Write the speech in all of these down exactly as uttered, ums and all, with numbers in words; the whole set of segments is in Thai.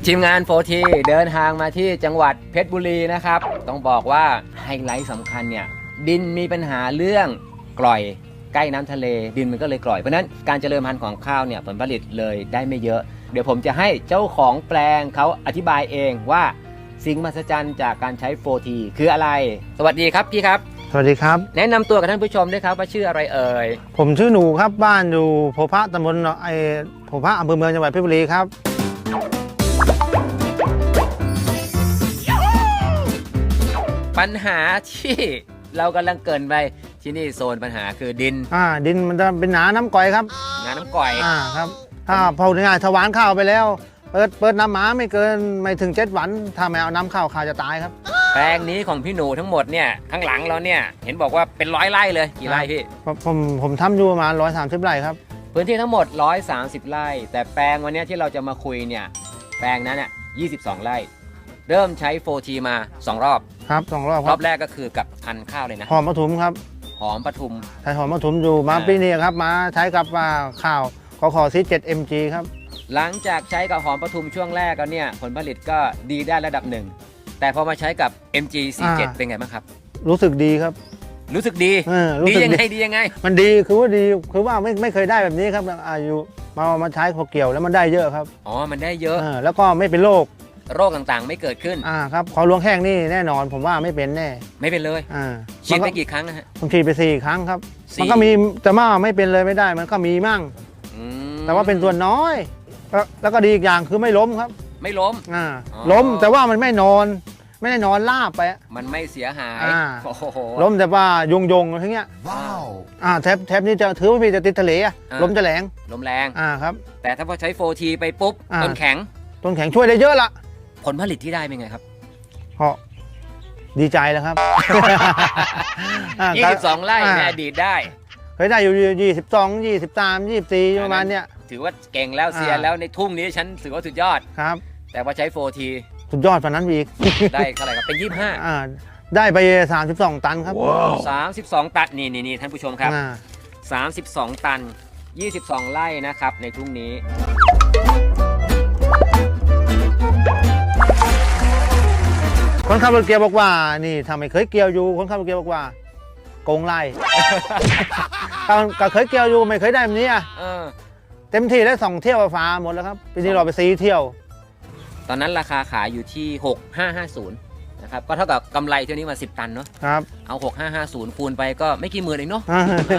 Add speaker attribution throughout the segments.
Speaker 1: ทีมงานโฟทีเดินทางมาที่จังหวัดเพชรบุรีนะครับต้องบอกว่าไฮไลท์สำคัญเนี่ยดินมีปัญหาเรื่องกร่อยใกล้น้ำทะเลดินมันก็เลยกร่อยเพราะนั้นการเจริญพันธุ์ของข้าวเนี่ยผลผลิตเลยได้ไม่เยอะเดี๋ยวผมจะให้เจ้าของแปลงเขาอธิบายเองว่าสิ่งมหัศจรรย์จากการใช้โฟทีคืออะไรสวัสดีครับพี่ครับ
Speaker 2: สวัสดีครับ
Speaker 1: แนะนำตัวกับท่านผู้ชมด้วยครับว่าชื่ออะไรเอ่ย
Speaker 2: ผมชื่อหนูครับบ้านอยู่โพพะตำบลไอโพพะอำเภอเมืองจังหวัดเพชรบุรีครับ
Speaker 1: ปัญหาที่เรากำลังเกินไปที่นี่โซนปัญหาคือดิน
Speaker 2: อ่าดินมันจะเป็นหนาน้ำก่อยครับ
Speaker 1: หนาน้ำก่อย
Speaker 2: อ่าครับถ้าพอถึงงานถวานข้าวไปแล้วเปิดเปิดน้ำหมาไม่เกินไม่ถึงเจ็ดวันถ้าไม่เอาน้ำข้าวข้าวจะตายครับ
Speaker 1: แปลงนี้ของพี่หนูทั้งหมดเนี่ยข้างหลังเราเนี่ยเห็นบอกว่าเป็นร้อยไร่เลยกี่ไร่พี่
Speaker 2: ผมผมทำอยู่ประมาณร้อยสามสิบไร่ครับ
Speaker 1: พื้นที่ทั้งหมดร้อยสามสิบไร่แต่แปลงวันนี้ที่เราจะมาคุยเนี่ยแปลงนั้นเนี่ยยี่สิบสองไร่เริ่มใช้ โฟร์ที มาสองรอบ
Speaker 2: ครับสองรอบ
Speaker 1: รอบแรกก็คือกับพันธุ์ข้าวเลยนะ
Speaker 2: หอมปทุมครับ
Speaker 1: หอมปทุม
Speaker 2: ใช้หอมปทุมอยู่มาปีนี้ครับมาใช้กับข้าวขอขอซีเจ็ดเอ็มจีครับ
Speaker 1: หลังจากใช้กับหอมปทุมช่วงแรกแล้วเนี่ยผลผลิตก็ดีได้ระดับหนึ่งแต่พอมาใช้กับ เอ็ม จี สี่สิบเจ็ด เป็นไงบ้างครับ
Speaker 2: รู้สึกดีครับ
Speaker 1: รู้สึกดีดียังไงดียังไง
Speaker 2: มันดีคือว่าดีคือว่าไม่ไม่เคยได้แบบนี้ครับอายุมามาใช้พอเกี่ยวแล้วมันได้เยอะครับ
Speaker 1: อ๋อมันได้เยอะ
Speaker 2: แล้วก็ไม่เป็นโรค
Speaker 1: โรคต่างๆไม่เกิดขึ้น
Speaker 2: อ่าครับขอลวงแห้งนี่แน่นอนผมว่าไม่เป็นแน่
Speaker 1: ไม่เป็นเลย
Speaker 2: อ่า
Speaker 1: ฉีดไปกี่ครั้งนะฮะ
Speaker 2: ผมฉีดไปสี่ครั้งครับมันก็มีแต่ว่าไม่เป็นเลยไม่ได้มันก็มีมั่งแต่ว่าเป็นส่วนน้อยแล้วก็ดีอีกอย่างคือไม่ล้มครับ
Speaker 1: ไม่ล้ม
Speaker 2: อ่าล้มแต่ว่ามันไม่นอนไม่ได้นอนลาบไป
Speaker 1: มันไม่เสียหาย
Speaker 2: ล้มแต่ว่ายงยงอะไรเงี้ยว้าวอ่าแทบแทบนี้จะถือว่าพี่จะติดทะเลอะล้มจะแรง
Speaker 1: ล้มแรง
Speaker 2: อ่าครับ
Speaker 1: แต่ถ้าพอใช้ โฟร์ที ไปปุ๊บต้นแข็ง
Speaker 2: ต้นแข็งช่วยได้เยอะละ
Speaker 1: ผลผลิตที่ได้เป็นไงครับ
Speaker 2: เพราะดีใจแล้วครับ
Speaker 1: ยี่สิบสองไร่ในอดีตได้
Speaker 2: เคยได้อยู่ยี่สิบสอง ยี่สิบสาม ยี่สิบสี่ประมาณเนี้ย
Speaker 1: ถือว่าเก่งแล้วเสียแล้วในทุ่งนี้ฉันถือว่าสุดยอด
Speaker 2: ครับ
Speaker 1: แต่พอใช้ โฟร์ที
Speaker 2: สุดยอดกว่านั้นอีก
Speaker 1: ได้เท่าไหร่ครับเป็นยี่สิบห้า
Speaker 2: อ่าได้ไปสามสิบสองตันครับ
Speaker 1: สามสิบสองตันนี่นี่นี่ท่านผู้ชมครับสามสิบสองตันยี่สิบสองไร่นะครับในทุ่งนี้
Speaker 2: คนขับรถเกียร์บอกว่านี่ทำไมเคยเกี่ยวอยู่คนขับรถเกียร์บอกว่าโกงไล่ก็เคยเกี่ยวอยู่ไม่เคยได้แบบนี้อ่ะเต็มที่ได้สองเที่ยวฟ้าหมดแล้วครับปีนี้เราไปซีเที่ยว
Speaker 1: ตอนนั้นราคาขายอยู่ที่หกพันห้าร้อยห้าสิบนะครับก็เท่ากับกำไรเที่ยวนี้มาสิบตันเนาะ
Speaker 2: ครับ
Speaker 1: เอาหกพันห้าร้อยห้าสิบคูณไปก็ไม่กี่หมื่นเองเนาะ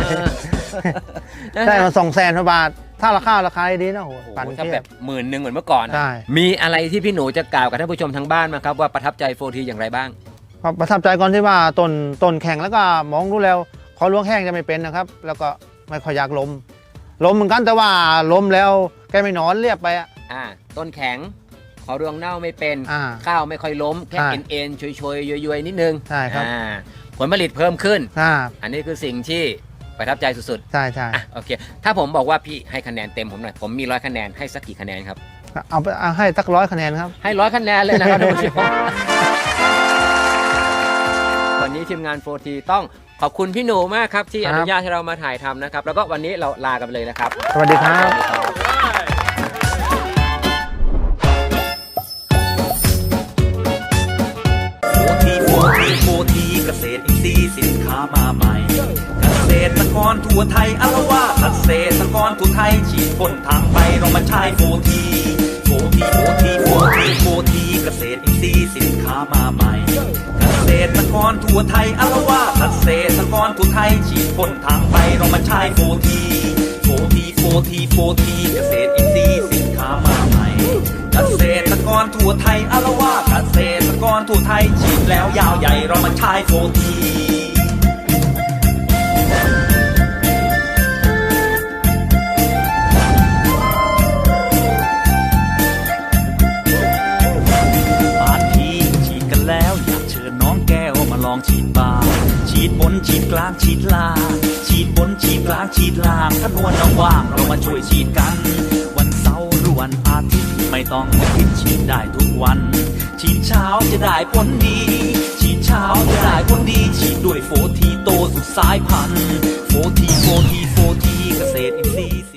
Speaker 2: ได้มาสองแสนบาทถ้าราคาราคาดีนะโห
Speaker 1: ถ้าแบบหมื่นหนึ่งเหมือนเมื่อก่อนมีอะไรที่พี่หนูจะกล่าวกับท่านผู้ชมทางบ้านมาครับว่าประทับใจ โฟร์ที อย่างไรบ้าง
Speaker 2: ประทับใจก่อนที่ว่าต้นต้นแข็งแล้วก็มองดูแล้วขอล้วงแห้งจะไม่เป็นนะครับแล้วก็ไม่ค่อยอยากล้มล้มเหมือนกันแต่ว่าล้มแล้วแกไม่นอนเรียบไปอ่ะ
Speaker 1: ต้นแข็งขอรวงเน่าไม่เป็นข้าวไม่ค่อยล้มแค่เอ็นเอ็นชวยๆย้อยๆนิดนึง
Speaker 2: ใช่ครับ
Speaker 1: ผลผลิตเพิ่มขึ้นอันนี้คือสิ่งที่ประทับใจสุด
Speaker 2: ๆใช่ใช่
Speaker 1: โอเคถ้าผมบอกว่าพี่ให้คะแนนเต็มผมหน่อยผมมีร้อยคะแนนให้สักกี่คะแนนครับ
Speaker 2: เอาไปเอาให้สักร้อยคะแนนครับ
Speaker 1: ให้ร้อยคะแนนเลยนะครับทุกผู้ชมวันนี้ทีมงาน โฟร์ที ต้องขอบคุณพี่หนูมากครับที่อนุญาตให้เรามาถ่ายทำนะครับแล้วก็วันนี้เราลากันเลยนะครับ
Speaker 2: สวัสดีครับ
Speaker 3: โฟร์ทีเกษตรอินทรีย์สินค้ามาใหม่เกษตรกรทั่วไทยอารวาเกษตรกรทั่วไทยฉีดพ่นทางไปเรามาใช้ โฟร์ที โฟร์ที โฟร์ที โฟร์ที โฟร์ทีเกษตรอินทรีย์สินค้ามาใหม่เกษตรกรทั่วไทยอารวาเกษตรกรทั่วไทยฉีดพ่นทางไปเรามาใช้ โฟร์ที โฟร์ที โฟร์ที โฟร์ทีเกษตรอินทรีย์สินค้ามาใหม่เกษตรกรทั่วไทยอารวาเกษตรกรทั่วไทยฉีดแล้วยาวใหญ่เรามาใช้ โฟร์ที บางทีฉีดกันแล้วอยากเชิญน้องแก้วมาลองฉีดบ้างฉีดบนฉีดกลางฉีดล่างฉีดบนฉีดกลางฉีดล่างถ้านวลน้องว่างเรามาช่วยฉีดกันวันเสาร์หรือวันอาทิตย์ไม่ต้องคิดฉีดได้ทุกวันฉีดเช้าจะได้ผลดีฉีดเช้าจะได้ผลดีฉีดด้วย โฟร์ที โตสุดสายพันธุ์ โฟร์ที โฟร์ที โฟร์ทีเกษตรอินทรีย์